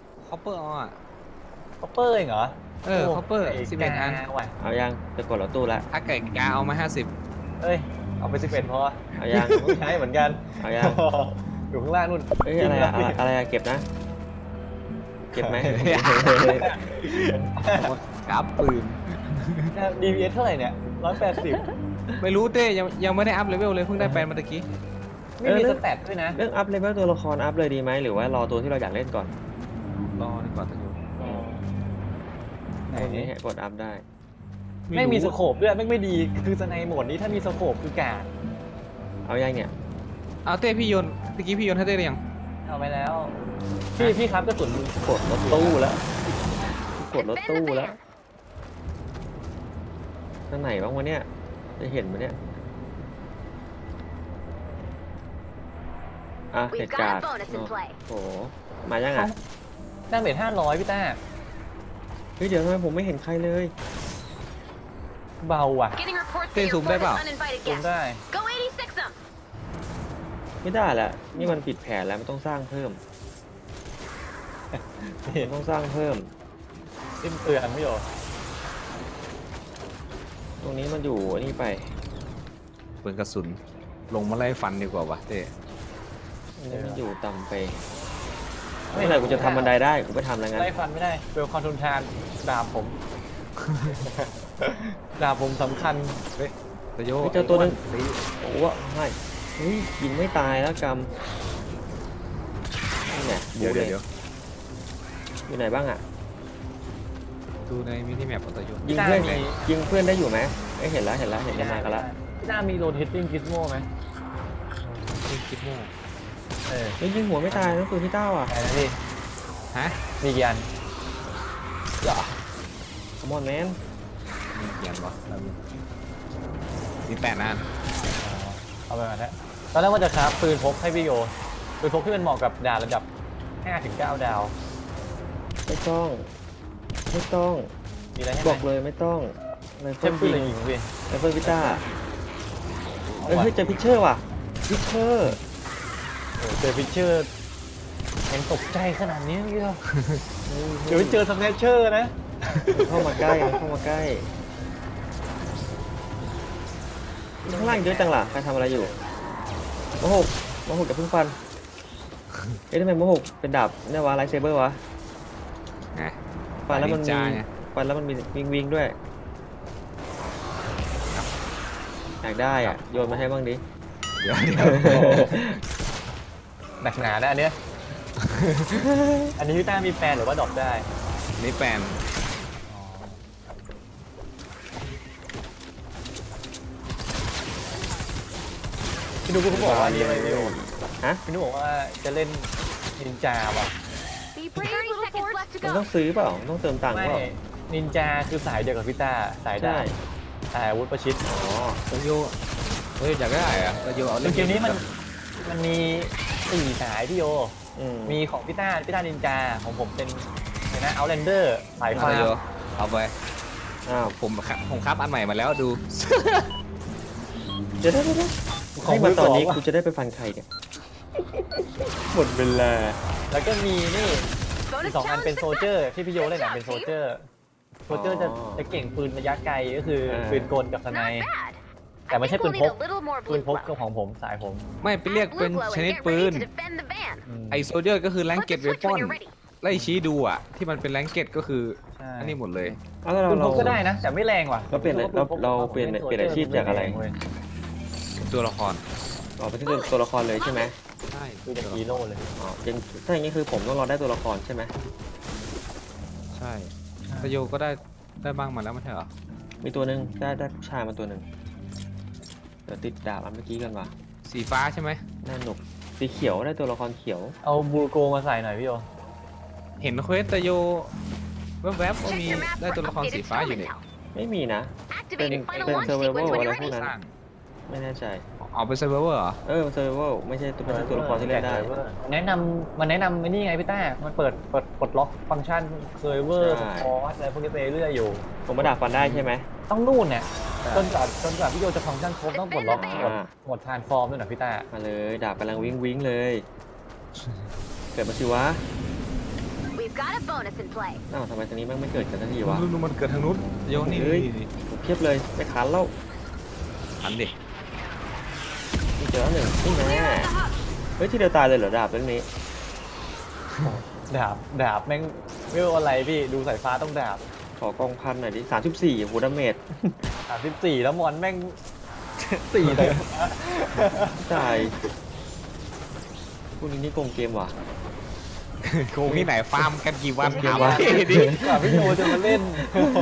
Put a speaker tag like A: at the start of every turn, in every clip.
A: คอปเปอร์อ่ะ
B: คอปเปอร์เองเหรอ
A: คอปเปอร์11 อัน
B: ว่ะ
C: เอายังจะกดรถตู้ละ
A: ถ้าเกิดกาเอามา50
B: เอ้ยเอาไป11พอ
C: เอายัง
B: ต้องใช้เหมือนกัน
C: เอายัง
B: อยู่ข้างล่างนู่น
C: เอ้ยอะไรอะอะไรอะเก็บนะ เก็บไหม
A: กราฟปืน
B: DPS เท่าไหร่เนี่ย180
A: ไม่รู้เต้ยังไม่ได้อัพเลเวลเลยเพิ่งได้แปลนมาตะกี้
B: ไม่มีสแตทด้วยนะ
C: เรื่องอัพเลเวลตัวละครอัพเลยดีไหมหรือว่ารอตัวที่เราอยากเล่นก่อน
A: รอดีกว่าตะยู
B: ไหน
C: ตัวนี้
B: นี่
C: กดอัพได้
B: ไม่มีสโคปด้วยไม่ดีคือสไนโหมดนี้ถ้ามีสโคปคือกาด
C: เอายังเนี่ย
A: เอาเต้พี่โยนตะกี้พี่โยนให้เต้หรือยัง
B: เอาไปแล้วพี่ครับกระสุน
C: กดรถตู้แล้วกดรถตู้แล้วทางไหนบ้างวะเนี่ยจะเห็นมั้ยเนี่ยอ่ะเห
D: We've
C: ตุการ
D: got
C: ณ์
D: a bonus in play.
C: โอ้โหมายังอ่ะ
B: ดาเมจ500พี่ต้า
C: เฮ้ยเดี๋ยวทำไมผมไม่เห็นใครเลย
B: เบาว่ะ
D: Getting reports
A: Tê
D: that your
A: dùng đây
D: fort
A: bảo.
D: is uninvited
B: ซูม
D: guests.
B: ได้
D: Go 86 them.
C: ไม่ได้ละนี่มันผิดแผนแล้วมันต้องสร้างเพิ่มมันต้องสร้างเพิ่ม
B: สิ้นเตือนพี่โย
C: ตรงนี้มันอยู่อันนี่ไป
A: ปืนกระสุนลงมาไล่ฟันดีกว่าวะเต้
C: อันนี้มันอยู่ต่ำไปเมื่อไหร่กูจะทำบันไดได้กูไปทำแล้วงั้น
B: ไล่ฟันไม่ได้เวลคอนทุนทานดาบผม ดาบผมสำคัญ
A: ตะโย
C: เฮ้ยเจอตัวหนึงโอ้โหไม่เฮ้ยยิงไม่ตายแล้วกำนี่แหละ
A: เดี๋ยว
C: บู๊
A: เดี๋ยว
C: ล
A: เดี๋ยว
C: อยู่ไหนบ้างอ่ะ
A: ดูในมินิแมปของตะโย
C: ยิงเพื่อนยิงเพื่อนได้อยู่ไหมเอ้ยเห็นแล้วเห็นจะมากันละ
B: พี่ต้ามีโรเทตติ้งกิสโม่ไหม
A: คิดโม่
B: เออ
C: เฮ้ยยิงหัวไม่ตายนั่นคือพี่เต้าอ่ะ
B: ไหนนะพี่
A: ฮะ
B: มีกี่อันเหรอ
C: คอมอนแมน
A: มีเขียนวะมี8 อัน
B: เอาไปก่อนนะตอนแรกว่าจะคราฟปืนพกให้พี่โยปืนพกที่มันเหมาะกับดาบระดับ5-9 ดาว
C: ไม่ต้องไม่ต้อง
B: มีอะไรให้
C: บ
B: ไหม
C: อกเลยไม่ต้องไรเฟิ
B: ใช้
C: ล
B: ปืนอะไร
C: ยิง
B: ยิงพี่
C: ไรเฟิลพิต้า
B: เอา
C: เอ้ย
B: ว่ะ
C: เฮ้ยเจอพิชเชอร์ว่ะพิชเชอร์
B: โอ้เจอฟิชเชอร์ยังตกใจขนาดนี้พี่โยเดี๋ยวไปเจอสแนชเชอร์นะ
C: เข้ามาใกล้เข้ามาใกล้ข้างล่างเยอะจังล่ะใครทำอะไรอยู่โมหกอย่าเพิ่งฟันเอ๊ะทำไมโมหกเป็นดาบเนี่ยวะไลท์เซเบอร์วะ
A: ไง
C: ฟันแล้วมันมี
A: จ้าไง
C: ฟันแล้วมันมีวิงด้วยอยากได้อ่ะโยนมาให้บ้างดิ
A: เดี๋ยว
B: หนักหนานะอันเนี้ย อันนี้พี่ต้ามีแฟนหรือว่าดรอปได้
A: นี่แปลน
B: พี่นุ๊กเขาบอกว่านี่อะไรพี่โย
C: ฮะ
B: พี่นุ๊กบอกว่าจะเล่นนินจาว่ะ
D: Be brave, 30 seconds left to
C: มันต้อ
D: go.
C: งซื้อเปล่าต้องเติมตังค์
B: ไม่
C: เปล่า
B: นินจาคือสายเดียวกับพี่ต้าสายดา
C: ใช่
B: บสายอาวุธประชิด
C: อ๋อ
A: ตะโยอยากได้อะตะโยเอา
B: ในเกมนี้มันมี4 สายพี่โย มีของพี่ต้านินจาของผมเป็นอะไรนะเอาแลนเดอร์สาย
A: ตะ
B: ฟ้า
A: โยเอาไป
C: อ้าว
A: ผมครับอันใหม่มาแล้วดู
C: เดี๋ยวให้มาตอนนี้กูจะได้ไปฟันใครเนี่ยหมดเวลา
B: แล้วก็มีนี่
D: Bonus
B: 2 อัน
D: challenge
B: เป็นโซเจอ
D: success.
B: ร์ที่พี่โยเล่น
D: Good
B: อ่ะ
D: job,
B: เป็นโซ
D: Steve.
B: เจอร์จะเก่งปืนระยะไกลก็คือปืนกลกับสไน
D: Not bad.
B: แต่ไม่
D: I
B: ใช่
D: think
B: ปื
D: we'll
B: นพ
D: need
B: ก
D: a little more
B: ปืน
D: blue
B: พก
D: glow.
B: กับของผมสายผม
A: ไม่ไปเรียก
D: Add
A: เป็น
D: blue glow
A: ช
D: and
A: นิด
D: get
A: ปื
D: ready
A: น
D: to defend the van.
A: ไอโซเจอร์ก็คือแรง
D: Flip
A: เก็
D: the
A: ตเว
D: switch
A: ปอ
D: when
A: น
D: you're ready.
A: ไล่ชี้ดูอ่ะที่มันเป็นแรงเก็ตก็คือ
B: ใช่
A: อันนี้หมดเลย
C: เอาแล้ว
B: ปืนพ
C: เรา
B: กก็ได้นะ แต่ไม่แรงว่ะ
C: เราเปลี่ยนอาชีพจากอะไร
A: ตัวละคร
C: ออกไปที่ตัวละครเลยใช่ไหม
A: ใช่
B: คือจากฮีโร่เลย
C: อ๋อยังถ้าอย่างนี้คือผมต้องรอได้ตัวละครใช่ไหม
A: ใช่ตะโยก็ได้บ้างมาแล้วไม่ใช่เหรอ
C: มีตัวหนึ่งได้ผู้ชายมาตัวหนึ่งเดี๋ยวติดดาบอันเมื่อกี้กันว่ะ
A: สีฟ้าใช่ไหม
C: น่าหนุกสีเขียวได้ตัวละครเขียว
B: เอาบูโกมาใส่หน่อยพี่โย
A: เห็นเควสตะโยแวบๆว่า
D: Check
A: มี
D: your map
A: ได้
D: for
A: ตัวละครสี
D: updated
A: ฟ้าอยู่
D: film
A: เนี่ย
D: intel.
C: ไม่มีนะ
D: Activate and final
C: Then
D: launch
C: survival
D: sequence when you're
C: อะไรพวก
D: ready.
C: นั้น
A: สร้าง
C: ไม่แน่ใจ
A: เอาไปเซิร์ฟเวอร์เหรอ
C: เออเซอร์ไวลไม่ใช่ตัวละครที่เล่นได้
B: แนะนำไอ้นี่ไงพี่ต้ามันเปิดปลดล็อกฟังก์ชันเซอร์เวอร์
C: ใช่
B: สปอร์ตอะไรพวกนี้ไปเรื่อยอยู่
C: ผมมาดาบฟันได้ใช่ไหม
B: ต้องนู่นเนี่ยจนกว่าพี่โยจะฟังก์ชันครบต้องปลดล็อก
C: อ่า
B: หมดทรานส์ฟอร์มด้วยนะพี่ต้า
C: มาเลยดาบกำลังวิ่งเลย เกิดมาสิวะ
D: We've got a bonus in play.
C: อ้าวทำไมตรงนี้แม่งไม่เกิดกันสักทีวะ
A: นู่นมันเกิดทางนู้นโยนี่
C: เฮ้ย
A: นี่
C: เพียบเลยไม่ขันแล้ว
A: หันดิ
C: นี่เจอแล้วหนึ่งนี่แน่
D: Clear out the hub.
C: เฮ้ยที่เดียวตายเลยเหรอดาบเล่มนี้
B: ดาบแม่งไม่รู้อะไรพี่ดูสายฟ้าต้องดาบ
C: ขอกองพันหน่อยดิ34โหดาเมจ
B: 34แล้วมอนแม่ง 4เลย
C: ตายพวกนี้นี่โกงเกมว่ะ
A: โกงที่ไหนฟาร์มกันกี่วัน
C: เกม
A: ถาม
C: วะ
A: พี่ดิ
B: กว่าพี่โยจะมาเล่น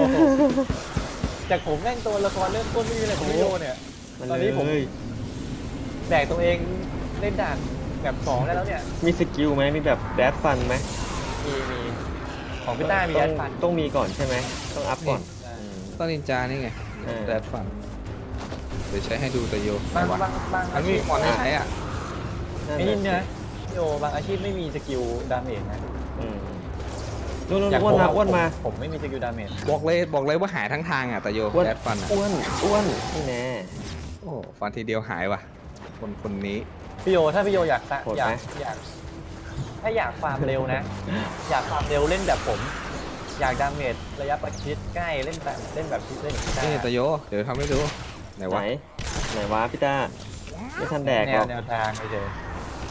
B: จากผมแม่งตัวละครเริ่มต้นไม่มีอะไรของพี่โยเนี่ย
C: มัน
B: ตอนนี้ผม
C: เลย
B: แบกตัวเองเล่นด่านแบบ2ได้แล้วเนี่ย
C: มีสกิลไหมมีแบบแดดฟันไหม
B: มีของพี่ต้ามีแอดฟัน
C: ต้องมีก่อนใช่ไหมต้องอัพก่อน
A: ต้นนินจานี่ไง
C: เออ
A: แดดฟันเดี๋ยวใช้ให้ดูแต่โย
B: บาง
A: วะ
B: บาง
A: มันมีมอนให้ใช้อ่ะ
B: ไม่ยินนะพี่โยบางอาชีพไม่มีสกิลดาเมจนะ
C: นู่น
B: อย่าง
C: อ้วนมา
B: ผม
C: อ้วนมา
B: ผมไม่มีสกิลดาเมจ
A: บอกเลยว่าหายทั้งทางอ่ะแต่โย
C: อ้วน
A: แดดฟันอ่ะ
C: อ้วนนี่แน่
A: โอ้ฟันทีเดียวหายว่ะคนนี้
B: พี่โยถ้าพี่โยอยาก
C: โหด
B: อยา
C: ไหม
B: กอยากถ้าอยากฟาร์มเร็วนะ อยากฟาร์มเร็วเล่นแบบผม อยากดาเมจระยะประชิดใกล้เล่นแบบเล่นแบบเล่นอย่าง
A: นี่
B: นี้
A: แต่โยเดี๋ยวทำให้ดูไหน
C: ไหน
A: วะ
C: ไหนวะพี่ต้าไม่ทันแดก
B: แน
C: หร
B: ว
C: อก
B: แนวทางเฉย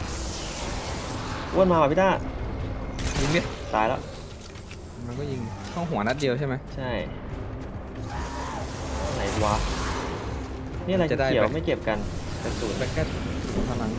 C: อ้วนมาว่ะพี่ต้า
A: ยิงดิ
C: ตายแล้ว
A: มันก็ยิงเข้าหัวนัดเดียวใช่ไหม
C: ใช่ไหนวะนี่อะไร
A: จะได้
C: เขียว
A: ไหม
C: ไม่เก็บกันกระสุน
A: แบกแค่พลัง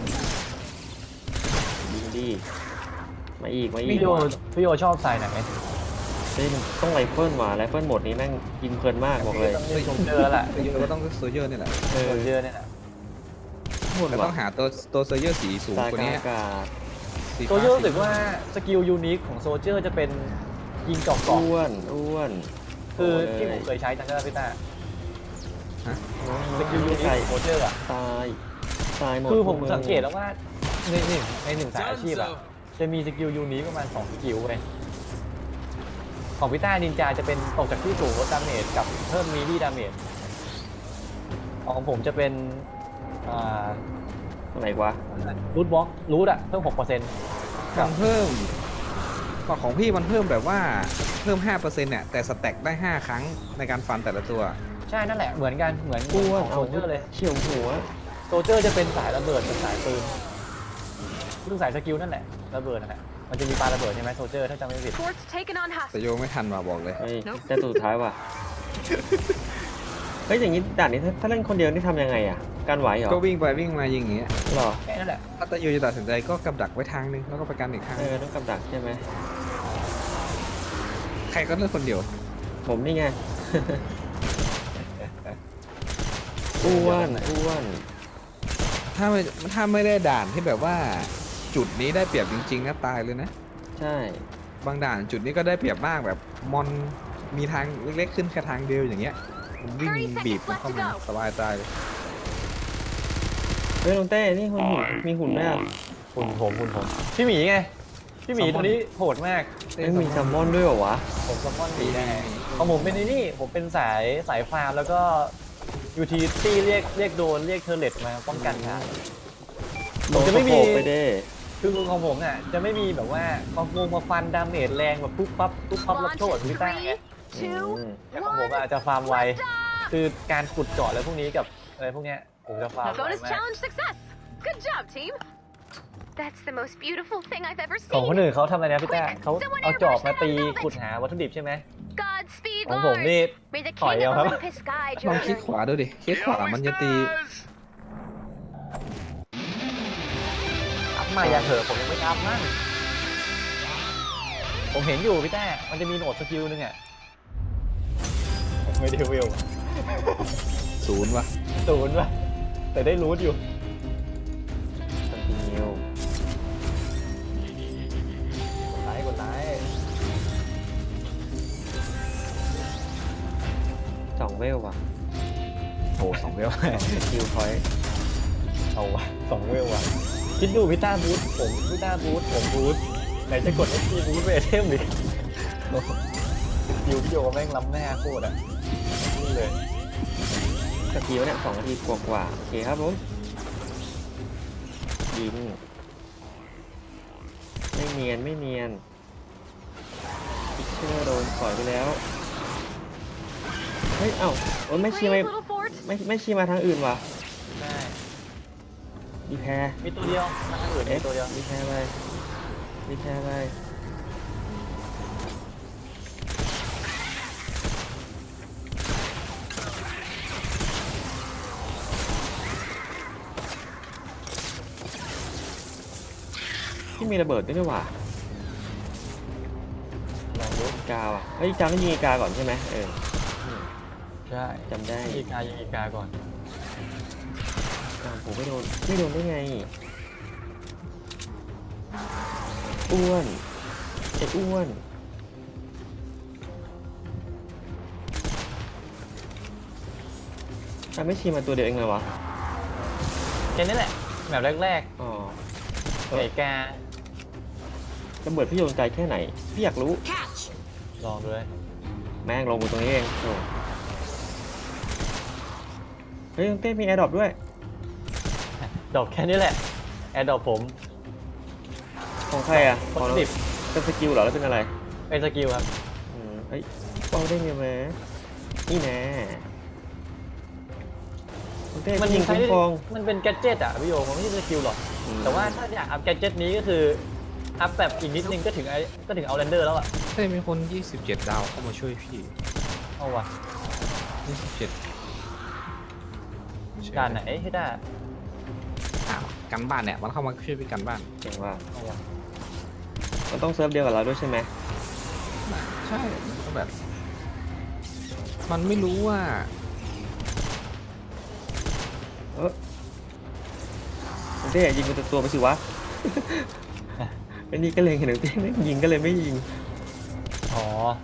C: ยิงดีมาอีก
B: ๆพี่โยพี่โยชอบสายไหน
C: เฮ้ยมันต้องไรเฟิลว่ะไรเฟิลโหมดนี้แม่งกินเพลินมากบอกเลย
B: ต้องเล่นโซลเจอร์แหละ
A: โยก็ต้องโซเยอร์นี่แหละ
C: เออ
B: โซลเจอร์เนี่ยนะ
C: โหด
A: แต่ต้
C: ว่ะ
A: องหาตัวโซเยอร์สีสูง
C: ตาย
A: กว่าก
C: ลาง
A: นี้
C: อากาศ
A: สี
B: โซลเจอร์รู้สึกว่าสกิลยูนิคของโซลเจอร์จะเป็นยิงเจอกเกาะ
C: อ้วน
B: คือที่ผม
C: โ
B: เคยใช้จังก็พี่ต้า
A: ฮะ
B: สกิลยูนิคของโซลเจอร์อะ
C: ตายหมด
B: คือผม
C: พว
B: สังเกตแล้วว่าในหนึ่งสายอาชีพอะจะมีสกิลยูนิคประมาณ2สกิลเลยของพี่ต้านินจาจะเป็นตกจากที่สูงลดดาเมจกับเพิ่มมีดี้ดาเมจของผมจะเป็นอ่า
C: อะไรวะ
B: รูทบล็อกรูทอะเพิ่ม 6%
A: มันเพิ่มของพี่มันเพิ่มแบบว่าเพิ่ม 5%เนี่ยแต่สแต็กได้ 5 ครั้งในการฟันแต่ละตัว
B: ใช่นั่นแหละเหมือนกันเหมือน
C: อ้วน
B: ของ
C: เอา
B: โซลเจอร์เลย
C: เฉียวหัว
B: โซลเจอร์จะเป็นสายระเบิดเป็นสายปืนคือสายสกิลนั่นแหละระเบิดนั่นแหละมันจะมีปาระเบิดใช่ไหมโซลเจอร์ถ้าจำไม่ผิด
D: Fort's taken on
A: แต่
D: hostage.
A: โยไม่ทันว่ะบอกเลย
C: เฮ้ยแต่ตัวสุดท้ายว่ะ เฮ้ยอย่างนี้ด่านนี้ถ้าเล่นคนเดียวนี่ทำยังไงอ่ะ การไหวเหรอ
A: ก็วิ่งไปวิ่งมายิงอย่างเงี้ย
C: หรอ
B: แค่นั้นแหละ
A: ถ้าแต่โยจะตัดสินใจก็กำดักไว้ทางนึงแล้วก็ไปกันอีกทาง
C: ต้องกับดักใช่ไหม
A: ใครก็เลือกคนเดียว
C: ผมนี่ไง อ้วน
A: ถ้าไม่ได้ด่านที่แบบว่าจุดนี้ได้เปรียบจริงๆนะตายเลยนะ
C: ใช่
A: บางด่านจุดนี้ก็ได้เปรียบมากแบบมอนมีทางเล็กๆขึ้นแค่ทางเดียวอย่างเงี้ยมันวิ่งบีบมันเข้ามาสบายตายเลย
C: เฮ้ยลงเต้นี่หุ่นมีหุ่นด้วยอ่ะ
B: คุณผมพี่หมีไงพี่หมีตัวนี้โหดมาก
C: ไม่มีแซลมอนด้วยเหรอวะ
B: ผมซัมมอนหมีได้ของผมเป็นนี่ผมเป็นสายฟาร์มแล้วก็ยูทีตี้เรียกโดนเรียกเทอร์เลตมาป้องกันครับ ผมจะไม่มี
C: โดนสะโพกไปเด้
B: คือของผมอ่ะจะไม่มีแบบว่ามาฟันดาเมจแรงแบบปุ๊บปั๊บรับ
D: Launch
B: โทษ
D: in
B: พี่ต้าไง
D: 3, 2,
B: แต่ของผมอาจจะฟาร์มไว คือการขุดเจาะอะไรพวกนี้กับอะไรพวกเนี้ยผมจะฟาร์มไว
D: Bonus
B: มาก
D: challenge success. Good job, team. That's the most beautiful thing I've ever
B: ของคน
D: seen.
B: อื่นเขาทำอะไรนะพี่ต้าเขาเอาจอบมาตีขุดหาวัตถุดิบใช่ไหม
D: Godspeed,
B: ของผมนี่
D: Lars. May the
B: Hỏi
D: king
B: nhau
D: of
B: lắm.
D: Olympus guide
A: ลอง
D: your
A: คลิก
D: journey.
A: ขวาดูดิคลิกขวามันจะตี
B: อัพมาอย่าเถอะผมยังไม่อัพมั่งผมเห็นอยู่พี่ต้ามันจะมีโหนดสกิลนึงอ่ะไม่ได้วิว
A: 0ว่ะ
B: 0 ว่ะแต่ได้รูทอยู่
C: คอนติเนีย
B: กดไลค์
C: 2 เวลว่ะ
B: โอ้2 เวล
C: คิวพอยต์
B: เอาว่ะ2 เวลว่ะคิดดูพี่ต้าบูทผมพี่ต้าบูทผมบูทไหนจะกด SP บูทไปเทมอีกยูพี่โยแม่งล้ำหน้าโคตรอ่ะนี่เลย
C: สักทีวะเนี่ย2 นาทีกว่าโอเคครับผมยิงไม่เนียนพิเชอร์โดนสอยไปแล้ว เฮ้ย เอ้าโอ้ยไม่ชี
D: Brave
C: มา
D: little fort.
C: ไม่ชีมาทางอื่นว่ะ
B: ใช่
C: มีแพร
B: มีตัวเดียวมาทางอื่นมีตัวเดียว
C: มีแพรไปมีแพรไปที่มีระเบิดด้วยนี่หว่า
B: ลองดู
C: อีกาว่ะเฮ้ยจำต้องยิงอีกาก่อนใช่ไหมเออ
B: ใช่
C: จำได้
B: ยิงอีกาก่อน
C: อ้าวผมไม่โดนได้ไงอ้วนไอ้อ้วนไม่ชีมาตัวเดียวเองเลยวะ
B: แค่นี้แหละแบบแรก
C: อ๋อ
B: ๆไก่กา
C: ระเบิดพี่โยนไกลแค่ไหนพี่อยากรู้
B: ลองดูเลย
C: แม่งลงมาตรงนี้เองโอ้เฮ้ยเต้มีแอร์ดรอปด้วย
B: ดอกแค่นี้แหละแอดดอกผม
C: ของใครอ่ะ
B: คน
C: ของ
B: ดิบ
C: เป็นสกิลเหรอแล้วเป็นอะไร
B: เป็นสกิลครับ
C: เฮ้ยเป้าได้ไงแม่นี่แน่คุณเต้
B: มัน
C: ยิง
B: ใช้
C: คุ้มครอง
B: มันเป็นแกดเจิตอะพี่โยมันไม่ใช่สกิลหรอก แต่ว่าถ้าอยากอัพแกดเจิตนี้ก็คืออัพแบบอีกนิดนึงก็ถึงเอาเรนเดอร์แล้วอะ
A: เฮ้ยมีคน 27 ดาวเข้ามาช่วยพี่
B: เอาว่ะ
A: 27
B: ด่านไหนให้ได้
A: อ้าวกันบ้านเนี่ยมันเข้ามาช่วยพี่กันบ้าน
C: เก่งว่า
B: เอาว่ะ
C: มันต้องเซิร์ฟเดียวกับเราด้วยใช่ไหม
A: ใช่มันก็แบบ มันไม่รู้ว่า
C: คุณเต้ยิงเป็นตัวไปสิวะ ไอ้นี่ก็เลยเห็นคุณเต้ไม่ยิงก็เลยไม่ยิง
B: อ๋อ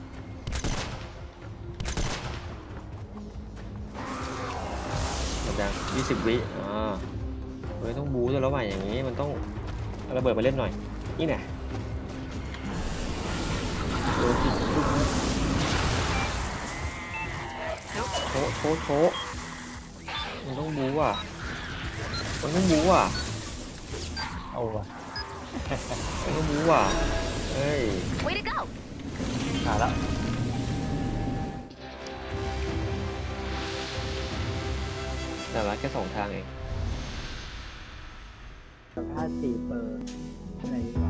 C: หมดยัง20 วิเฮ้ยต้องบู๊ด้วยแล้วว่ะอย่างนี้มันต้องเอาระเบิดมาเล่นหน่อยนี่แน่โดนจิกลูกนี้โถมันต้องบู๊อ่ะมันต้องบู๊อ่ะ
B: เอาว่ะ
C: มันต้องบู๊อ่ะเฮ้ย
D: Way to go.
B: ขาดแล้ว
C: แต่ละแค่2 ทางเอง
E: ถ้า4 เปอร์ใน